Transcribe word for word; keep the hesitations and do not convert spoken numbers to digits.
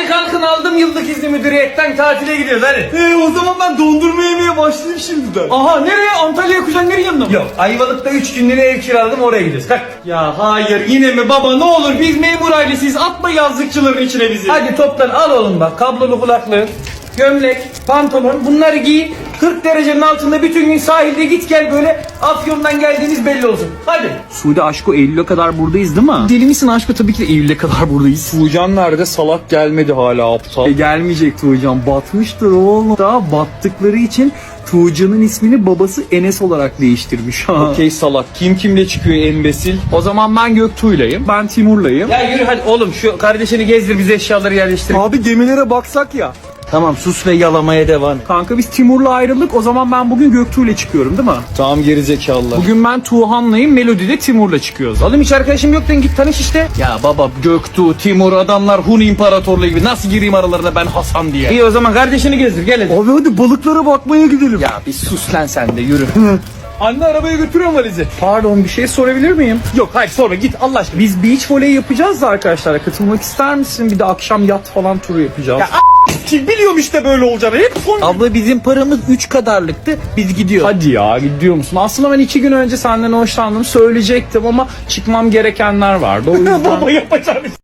Kalkın aldım yıllık izni müdüriyetten tatile gidiyoruz hadi. Ee, o zaman ben dondurma yemeye başlayayım şimdiden. Aha nereye? Antalya'ya kuzenlerin yanına mı? Yok Ayvalık'ta üç günlüğüne ev kiraladım oraya gidiyoruz. Kalk. Ya hayır yine mi baba ne olur biz memur ailesiyiz atma yazlıkçıların içine bizi. Hadi toplan al oğlum bak kablolu kulaklığı, gömlek, pantolon bunları giy. kırk derecenin altında bütün gün sahilde git gel böyle Afyon'dan geldiğiniz belli olsun. Hadi. Suudi aşko Eylül'e kadar buradayız değil mi? Deli misin aşkı tabii ki de Eylül'e kadar buradayız. Tuğcan nerede? Salak gelmedi hala aptal. E gelmeyecek Tuğcan batmıştır oğlum. Daha battıkları için Tuğcan'ın ismini babası Enes olarak değiştirmiş. Okey salak. Kim kimle çıkıyor embesil? O zaman ben Göktuğ'layım. Ben Timur'layım. Ya yürü hadi oğlum şu kardeşini gezdir bize eşyaları yerleştir. Abi gemilere baksak ya. Tamam sus ve yalamaya devam. Kanka biz Timur'la ayrıldık. O zaman ben bugün Göktuğ'la çıkıyorum değil mi? Tamam gerizekalılar. Bugün ben Tuğhan'layım. Melodi'de Timur'la çıkıyoruz. Oğlum hiç arkadaşım yok lan git tanış işte. Ya baba Göktuğ, Timur adamlar Hun İmparatorluğu gibi nasıl gireyim aralarına ben Hasan diye. İyi o zaman kardeşini gezdir gel hadi. Abi hadi balıklara bakmaya gidelim. Ya bir sus lan sen de yürü. Anne arabaya götürüyorum valizi. Pardon bir şey sorabilir miyim? Yok hayır sorma git Allah aşkına. Biz beach voley yapacağız da arkadaşlar. Katılmak ister misin? Bir de akşam yat falan turu yapacağız. Ya Kim biliyorum işte böyle olacağını. Hep son... Abla bizim paramız üç kadarlıktı biz gidiyoruz. Hadi ya gidiyor musun? Aslında ben iki gün önce senden hoşlandım söyleyecektim ama çıkmam gerekenler vardı. O yüzden... Baba yapacağım